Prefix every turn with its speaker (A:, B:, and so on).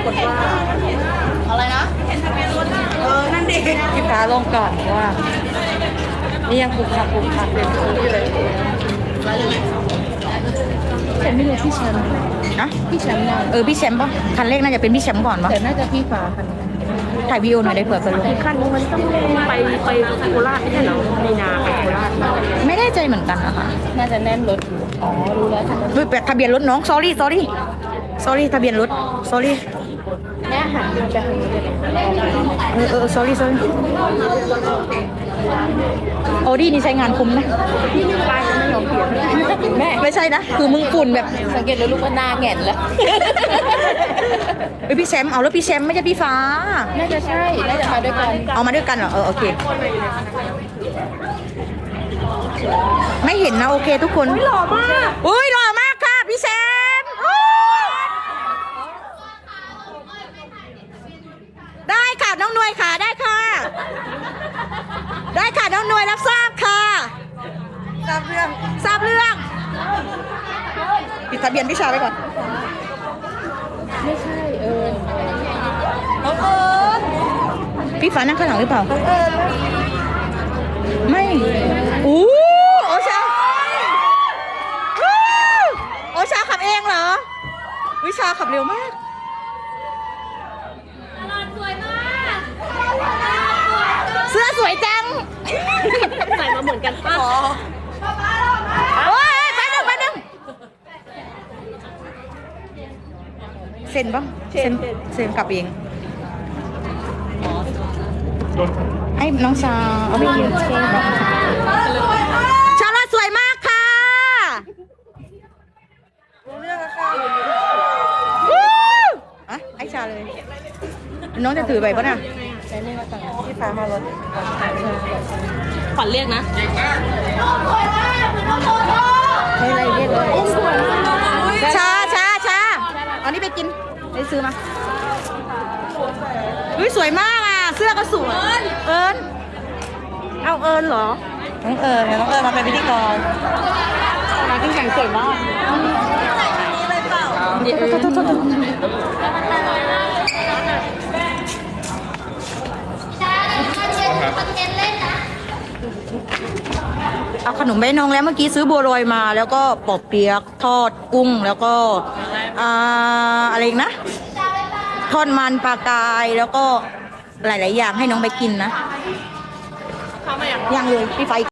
A: ฏว่าอะไรนะนั่นดิ
B: พี่ฟ้าลงก่อนว่านี่ยังปลูกผักเต็มพื้นที่เลยแต่ไม่รู้พี่แชมป์นะพี่แชมป์พี่แชมป์ป่ะคันเลขน่าจะเป็นพี่แชมป์ก่อนป่ะแต่น่าจะพี่ฟ้าคันถ่ายวีดีโอหน่อยได้เผื่อไปลง
A: คันมันต้องไปโคราชไม่ใช่เหรอมีนาไปโคราช
B: ไม่ได้ใจเหมือนกันนะคะ
A: น่าจะแน่นรถอ๋อรู้แล้ว
B: ทะเบียนรถน้อง sorry ทะเบียนรถ sorry
A: แม่หันไปทางนี้เลย
B: sorry โอดี้นี่ใช้งานคุ้มนะ
A: ป้ายจะไม่ยอมเปลี่ยนแม่
B: ไม่ใช่นะคือมึงฝุ่นแบบ
A: สังเกตเลยลูกว่าหน้าแง่นแล้ว
B: พี่แชมป์เอาแล้วพี่แชมป์ไม่ใช่พี่ฟ้า
A: น่าจะใช่น่าจะมาด้วยกัน
B: เอามาด้วยกันเหรอโอเคไม่เห็นนะโอเคทุกคน
A: หล่อมาก
B: หล่อมากค่ะพี่แชมป์ได้ค่ะน้องหน่วยค่ะได้ค่ะน้องหน่วยรับทราบค่ะทราบเรื่องปิดทะเบียนวิชาไว้ก่อน
A: ไม่ใช่
B: พี่ฟ้านั่งข้างหลังหรือเปล่าไม่โอชาขับเองเหรอวิชาขับเร็วมากเสื้อสวยจัง
A: ใส่มาเหมือนกันป่ะ
B: โอ้ยไปหนึ่งเซ็นป่ะเซ็นกลับเองให้น้องชาเอาไปกินชาลอสวยมากค่ะไอ้ชาเลยน้องจะถือไปป่ะเนี่ย
A: พี่ฟ้ามารถขวัญเรียกนะ
B: ไม่ไรเรียกเลยชาเอานี่ไปกินไปซื้อมาสวยมากอ่ะเสื้อก็สวยเอิญเอาเอิญเหรอน้องเอิญมาเป็นพิธีกร
A: มาที่แข่งสวยมาก
B: เอาขนมใบนงแล้วเมื่อกี้ซื้อบัวลอยมาแล้วก็ปอบเปี๊ยกทอดกุ้งแล้วก็อะไรอีกนะทอดมันปลากายแล้วก็หลายๆอย่างให้น้องไปกินนะยังเลยพี่ไฟ